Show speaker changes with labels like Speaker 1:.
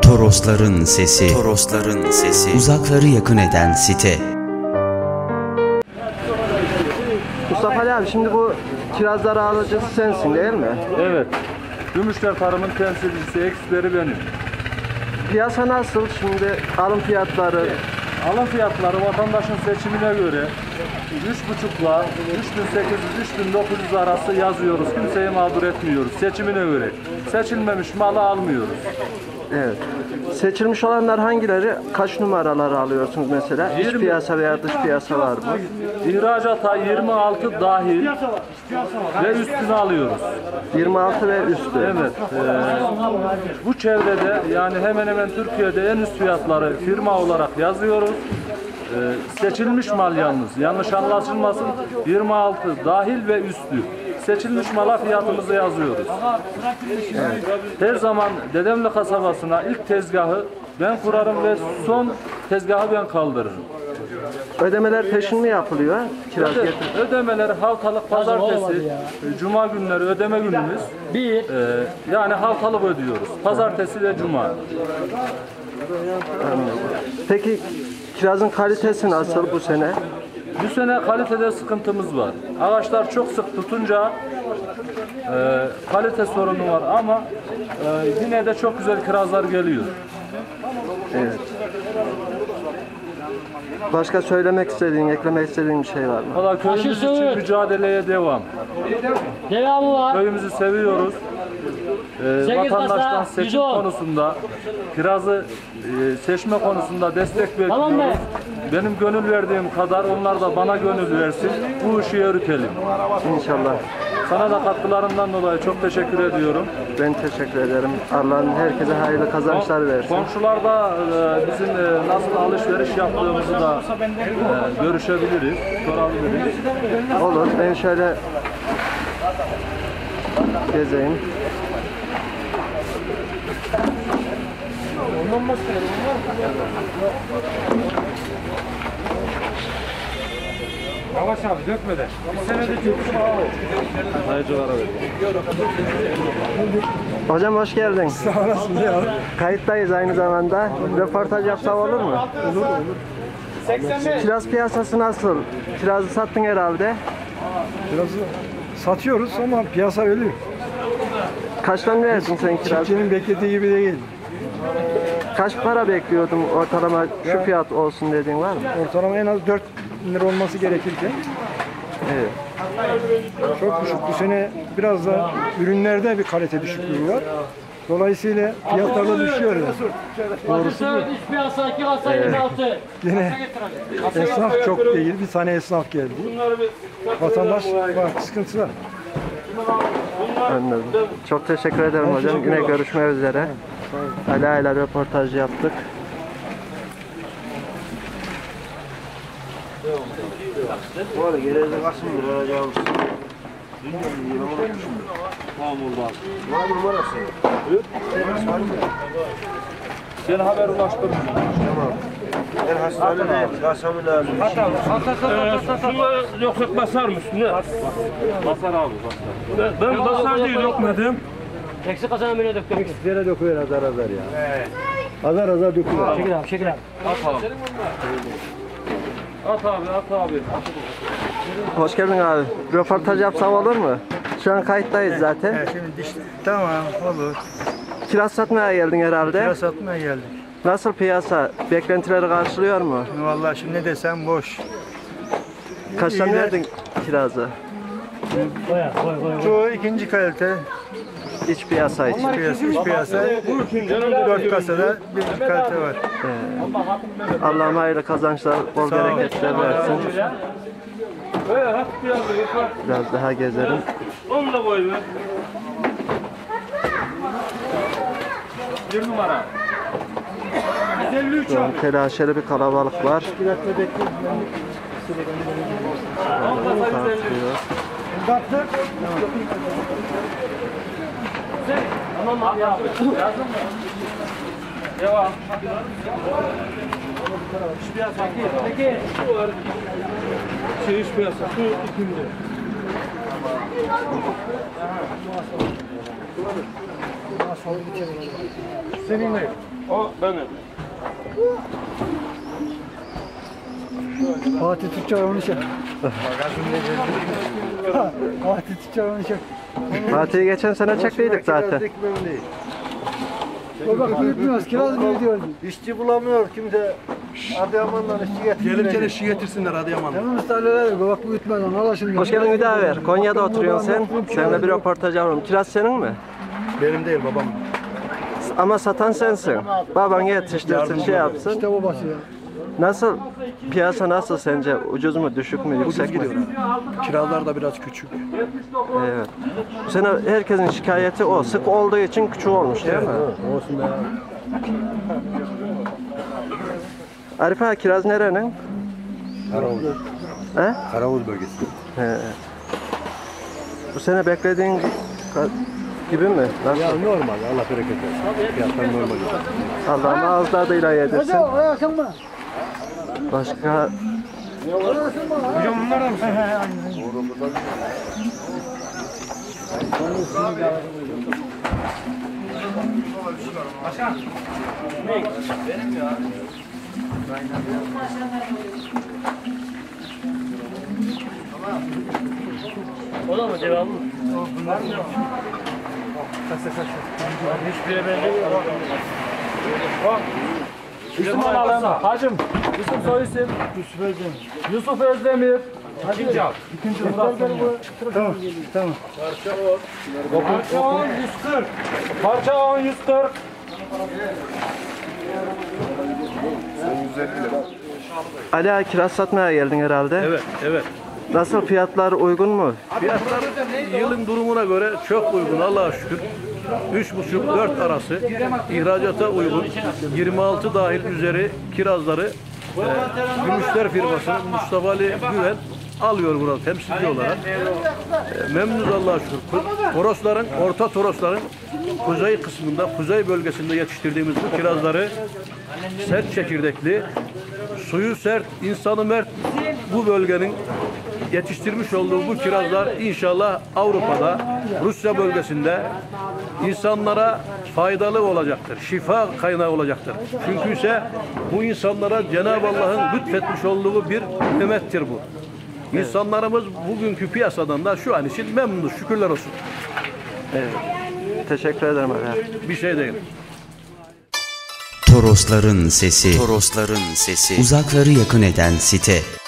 Speaker 1: Torosların sesi, Torosların sesi, uzakları yakın eden site.
Speaker 2: Mustafa Ali abi, şimdi bu kirazlar alıcısı sensin değil mi?
Speaker 3: Evet. Gümüşler Tarım'ın temsilcisi, eksperi benim.
Speaker 2: Piyasa nasıl şimdi, alım fiyatları?
Speaker 3: Alım fiyatları vatandaşın seçimine göre 3,5'la 3.800-3.900 arası yazıyoruz. Kimseyi mağdur etmiyoruz. Seçimine göre. Seçilmemiş malı almıyoruz.
Speaker 2: Evet. Seçilmiş olanlar hangileri? Kaç numaraları alıyorsunuz mesela? İç
Speaker 3: 20.
Speaker 2: piyasa veya dış piyasa var mı?
Speaker 3: İhracata 26 dahil ve üstünü alıyoruz.
Speaker 2: 26 ve üstü.
Speaker 3: Evet. Bu çevrede yani hemen hemen Türkiye'de en üst fiyatları firma olarak yazıyoruz. Seçilmiş mal yalnız. Yanlış anlaşılmasın. 26 dahil ve üstü. Seçilmiş mala fiyatımızı yazıyoruz. Evet. Her zaman Dedemli kasabasına ilk tezgahı ben kurarım ve son tezgahı ben kaldırırım.
Speaker 2: Ödemeler peşin mi yapılıyor? Kiraz getir.
Speaker 3: Ödemeler haftalık pazartesi, cuma günleri ödeme günümüz. Yani haftalık ödüyoruz. Pazartesi ve cuma.
Speaker 2: Anladım. Peki kirazın kalitesi nasıl bu sene?
Speaker 3: Bu sene kalitede sıkıntımız var. Ağaçlar çok sık tutunca kalite sorunu var ama yine de çok güzel kirazlar geliyor.
Speaker 2: Evet. Başka söylemek istediğin, eklemek istediğin bir şey var mı?
Speaker 3: Valla köyümüz için mücadeleye devam.
Speaker 4: Devamı var.
Speaker 3: Köyümüzü seviyoruz. Vatandaştan seçim
Speaker 4: 110.
Speaker 3: konusunda, kirazı seçme konusunda destek bekliyoruz.
Speaker 4: Tamam mı?
Speaker 3: Benim gönül verdiğim kadar onlar da bana gönül versin. Bu işi yürütelim.
Speaker 2: İnşallah.
Speaker 3: Sana da katkılarından dolayı çok teşekkür ediyorum.
Speaker 2: Ben teşekkür ederim. Allah'ın herkese hayırlı kazançlar versin.
Speaker 3: Komşular da bizim nasıl alışveriş yaptığımızı da görüşebiliriz, sorabiliriz.
Speaker 2: Olur. Ben şöyle gezeyim.
Speaker 3: Yavaş abi dökmeden. Bir senede çok sayıcılara
Speaker 2: Hocam hoş geldin. Sağ olasın ya. Kayıttayız aynı zamanda. Röportaj yapsam olur mu? Olur. Kiraz piyasası nasıl? Kirazı sattın herhalde.
Speaker 5: Kirazı satıyoruz ama piyasa ölüyor.
Speaker 2: Kaçtan verdin sen kiraz?
Speaker 5: Çiftçinin beklediği gibi değil.
Speaker 2: Kaç para bekliyordun ortalama şu fiyat olsun dediğin var mı?
Speaker 5: Ortalama en az 4 lira olması gerekirken
Speaker 2: Evet.
Speaker 5: çok düşük. Bu sene biraz da ürünlerde bir kalite düşüklüğü var. Dolayısıyla fiyatlar da düşüyor. Yani. Doğrusu bu.
Speaker 4: İç piyasa 2 kasa 26.
Speaker 5: Yine esnaf çok değil. Bir tane esnaf geldi. Vatandaş var, sıkıntısı var.
Speaker 2: Anladım. Çok teşekkür ederim hocam. Yine görüşmek üzere. Ala ile röportaj yaptık.
Speaker 6: Bu arada gelirde kaçın lira alacağımız? Var numarası.
Speaker 3: Sen haber ulaştırdın.
Speaker 6: Tamam. Ben hastanedeyim. Kasamı lazım.
Speaker 7: Şunları yoksa basar mı üstüne?
Speaker 3: Basar abi basar.
Speaker 7: Ben basar diye dökmedim.
Speaker 4: Eksik kasana bile döktüm.
Speaker 5: Yere döküyor azar azar ya. Azar azar döküyor.
Speaker 4: Çekil abi, çekil abi.
Speaker 3: At abi at abi.
Speaker 2: Hoş geldin abi. Röportaj yapsam olur mu? Şu an kayıttayız zaten.
Speaker 5: Şimdi tamam olur.
Speaker 2: Kiraz satmaya geldin herhalde.
Speaker 5: Kiraz satmaya geldik.
Speaker 2: Nasıl piyasa? Beklentileri karşılıyor mu?
Speaker 5: Vallahi şimdi ne desem boş.
Speaker 2: Kaçtan verdin kirazı?
Speaker 5: Çoğu ikinci kalite.
Speaker 2: İç piyasa için.
Speaker 5: İç piyasa. 4 kasada bir kalite var.
Speaker 2: Allah'ım hayırlı kazançlar, bol bereketler versin. Biraz daha gezelim.
Speaker 7: Onu da koy be.
Speaker 3: 1 numara.
Speaker 2: Şu an telaşeli bir kalabalık var. Tartıyor.
Speaker 3: Tamam abi abi. Yazdın mı? Devam. İş piyasa. Peki.
Speaker 7: İş piyasa. Şu ikindi. Senin ne? O benim.
Speaker 5: Fatih Tüccar onu çek. Fatih Tüccar onu çek.
Speaker 2: Fatih'i geçen sene çektiydik zaten.
Speaker 5: O bak büyütmüyoruz. Kiraz mı diyordu?
Speaker 6: İşçi bulamıyor kimse. Adıyaman'dan işçi getiriyor.
Speaker 8: Gelirken eşi getirsinler Adıyaman'dan.
Speaker 5: Hemen ustalar bak büyütmeden al şimdi.
Speaker 2: Hoş geldin Hüdaver. Konya'da oturuyorsun sen. Seninle bir röportaj alalım. Kiraz senin mi?
Speaker 8: Benim değil babam.
Speaker 2: Ama satan sensin. Baban yetiştirsin, şey yapsın.
Speaker 5: İşte babası ya.
Speaker 2: Nasıl? Piyasa nasıl sence? Ucuz mu, düşük mü, yüksek mi?
Speaker 8: Kiralar da biraz küçük.
Speaker 2: Evet. Bu sene herkesin şikayeti o. Sık olduğu için küçük olmuş değil mi?
Speaker 8: Olsun be.
Speaker 2: Arif ağa, kiraz nerenin?
Speaker 8: Karavuz.
Speaker 2: He?
Speaker 8: Karavuz bölgesi.
Speaker 2: He. Bu sene beklediğin gibi mi? Nasıl?
Speaker 8: Ya normal. Allah bereket versin. Fiyatlar normal.
Speaker 2: Allah'ım ağız tadıyla yedirsin.
Speaker 5: Hadi oraya mı?
Speaker 2: Başka
Speaker 7: Hocam bunlar da mı?
Speaker 4: O da mı devamlı? Hiçbirine benzemiyor.
Speaker 3: İsim alalım. Hacım. İsim soy isim. Yusuf Özdemir.
Speaker 7: İkinci al.
Speaker 5: Tamam.
Speaker 3: Parça 10 140. Parça 10 140.
Speaker 2: Ali ağa, kiraz satmaya geldin herhalde.
Speaker 8: Evet, evet.
Speaker 2: Nasıl, fiyatlar uygun mu?
Speaker 8: Fiyatlar yılın durumuna göre çok uygun Allah'a şükür. 3,5-4 arası ihracata uygun 26 dahil üzeri kirazları Gümüşler firması Mustafa Ali Güven alıyor burada temsilci olarak. Memnunuz Allah'a şükür. Torosların, orta Torosların kuzey kısmında, kuzey bölgesinde yetiştirdiğimiz bu kirazları sert çekirdekli, suyu sert, insanı mert bu bölgenin yetiştirmiş olduğu bu kirazlar inşallah Avrupa'da, Rusya bölgesinde insanlara faydalı olacaktır. Şifa kaynağı olacaktır. Çünkü ise bu insanlara Cenab-ı Allah'ın lütfetmiş olduğu bir nimettir bu. İnsanlarımız bugünkü piyasadan da şu an için memnunuz. Şükürler olsun.
Speaker 2: Evet. Teşekkür ederim Ali ağa.
Speaker 8: Bir şey değil.
Speaker 1: Torosların sesi. Torosların sesi. Uzakları yakın eden site.